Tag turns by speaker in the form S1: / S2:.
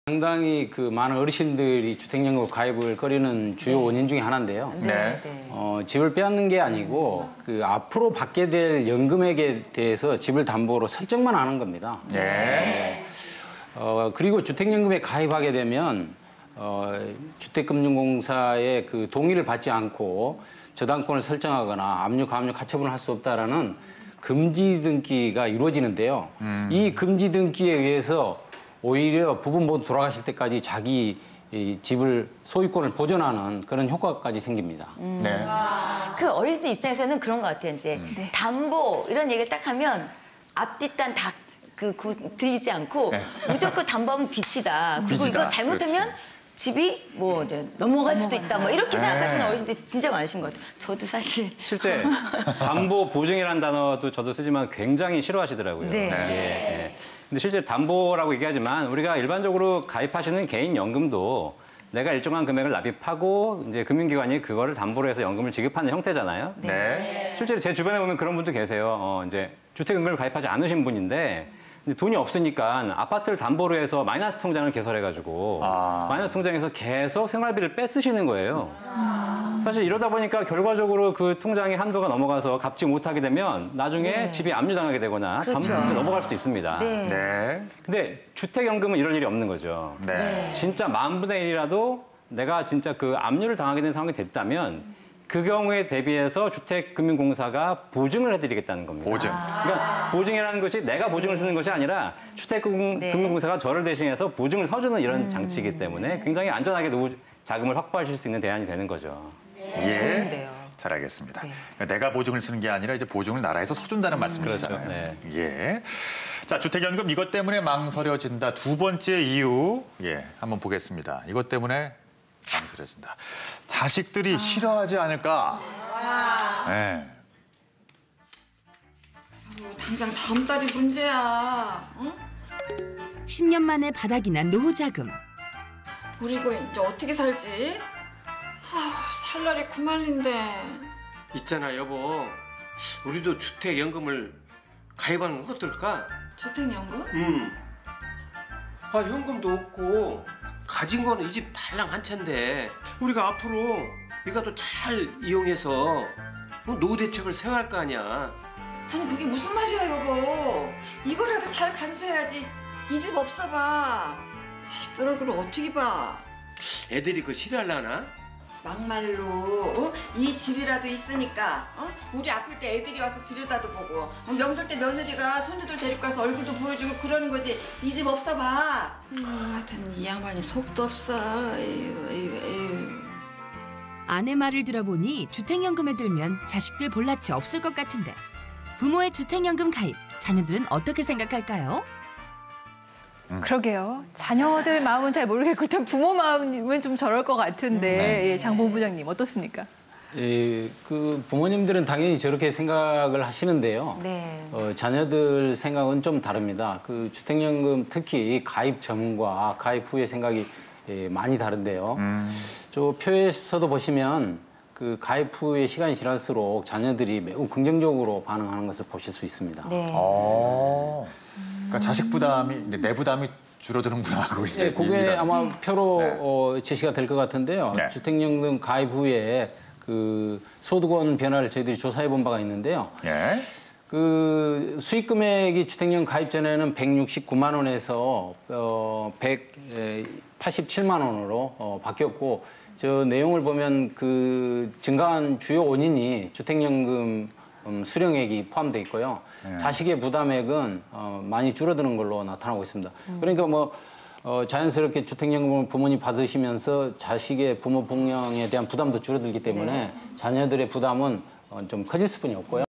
S1: 상당히 많은 어르신들이 주택연금 가입을 꺼리는 주요 원인 중에 하나인데요.
S2: 네.
S1: 집을 빼앗는 게 아니고 앞으로 받게 될 연금액에 대해서 집을 담보로 설정만 하는 겁니다.
S2: 네.
S1: 그리고 주택연금에 가입하게 되면 주택금융공사의 동의를 받지 않고 저당권을 설정하거나 압류, 가압류, 가처분을 할 수 없다라는 금지 등기가 이루어지는데요. 이 금지 등기에 의해서 오히려 부분 모두 돌아가실 때까지 자기 집을 소유권을 보존하는 그런 효과까지 생깁니다.
S2: 네.
S3: 그 어린이들 입장에서는 그런 것 같아요. 이제 담보 이런 얘기를 딱 하면 앞뒷단 다 들리지 않고 무조건 담보하면 빚이다. 그리고
S2: 빚이다.
S3: 이거 잘못하면
S2: 그렇지.
S3: 집이 이제 넘어갈 수도 있다. 이렇게 생각하시는 어르신들이 진짜 많으신 것 같아요. 저도 사실
S1: 실제 담보 보증이라는 단어도 저도 쓰지만 굉장히 싫어하시더라고요.
S3: 네.
S1: 예. 근데 실제 담보라고 얘기하지만 우리가 일반적으로 가입하시는 개인 연금도 내가 일정한 금액을 납입하고 이제 금융기관이 그거를 담보로 해서 연금을 지급하는 형태잖아요.
S2: 네.
S1: 실제로 제 주변에 보면 그런 분도 계세요. 이제 주택연금을 가입하지 않으신 분인데 이제 돈이 없으니까 아파트를 담보로 해서 마이너스 통장을 개설해가지고 마이너스 통장에서 계속 생활비를 뺏으시는 거예요. 사실 이러다 보니까 결과적으로 그 통장의 한도가 넘어가서 갚지 못하게 되면 나중에 집이 압류당하게 되거나
S3: 그렇죠.
S1: 담보로 넘어갈 수도 있습니다.
S2: 네.
S1: 근데 주택연금은 이럴 일이 없는 거죠.
S2: 네.
S1: 진짜 10,000분의 1이라도 내가 진짜 압류를 당하게 된 상황이 됐다면 그 경우에 대비해서 주택금융공사가 보증을 해드리겠다는 겁니다.
S2: 보증.
S1: 그러니까 보증이라는 것이 내가 보증을 쓰는 것이 아니라 주택금융공사가 저를 대신해서 보증을 서주는 이런 장치이기 때문에 굉장히 안전하게 노후 자금을 확보하실 수 있는 대안이 되는 거죠.
S2: 예.
S3: 좋은데요.
S2: 잘 알겠습니다. 그러니까 내가 보증을 쓰는 게 아니라 이제 보증을 나라에서 서준다는 말씀이시잖아요.
S1: 그렇죠. 네.
S2: 예. 자, 주택연금 이것 때문에 망설여진다. 두 번째 이유, 한번 보겠습니다. 이것 때문에 망설여진다. 자식들이 싫어하지 않을까? 네.
S4: 당장 다음 달이 문제야. 응?
S5: 10년 만에 바닥이 난 노후자금.
S4: 우리 이거 이제 어떻게 살지? 살 날이 구말린데.
S6: 있잖아 여보, 우리도 주택연금을 가입하는 건 어떨까?
S4: 주택연금?
S6: 현금도 없고 가진 거는 이 집 달랑 한 채인데 우리가 앞으로 이거 잘 이용해서 노후 대책을 세워갈 거 아니야.
S4: 아니 그게 무슨 말이야 여보. 이거라도 잘 간수해야지. 이 집 없어봐. 자식들 얼굴을 어떻게 봐.
S6: 애들이 그거 싫어하려나?
S4: 막말로 이 집이라도 있으니까 우리 아플 때 애들이 와서 들여다도 보고 명절 때 며느리가 손주들 데리고 가서 얼굴도 보여주고 그러는 거지. 이 집 없어봐. 하여튼 이 양반이 속도 없어. 에휴.
S5: 아내 말을 들어보니 주택연금에 들면 자식들 볼낯이 없을 것 같은데 부모의 주택연금 가입, 자녀들은 어떻게 생각할까요?
S7: 그러게요. 자녀들 마음은 잘 모르겠고 일단 부모 마음은 좀 저럴 것 같은데 장 본부장님 어떻습니까?
S1: 부모님들은 당연히 저렇게 생각을 하시는데요.
S3: 네.
S1: 자녀들 생각은 좀 다릅니다. 주택연금 특히 가입 전과 가입 후의 생각이 많이 다른데요. 저 표에서도 보시면 가입 후의 시간이 지날수록 자녀들이 매우 긍정적으로 반응하는 것을 보실 수 있습니다.
S3: 네.
S2: 그러니까 자식 부담이, 내 부담이 줄어드는구나 하고 이제.
S1: 그게 아마 표로 제시가 될 것 같은데요.
S2: 네.
S1: 주택연금 가입 후에 소득원 변화를 저희들이 조사해 본 바가 있는데요.
S2: 예.
S1: 수익 금액이 주택연금 가입 전에는 169만 원에서 187만 원으로 바뀌었고, 저 내용을 보면 증가한 주요 원인이 주택연금 수령액이 포함되어 있고요. 자식의 부담액은 많이 줄어드는 걸로 나타나고 있습니다. 그러니까 자연스럽게 주택연금을 부모님 받으시면서 자식의 부모 부양에 대한 부담도 줄어들기 때문에 자녀들의 부담은 좀 커질 수뿐이 없고요.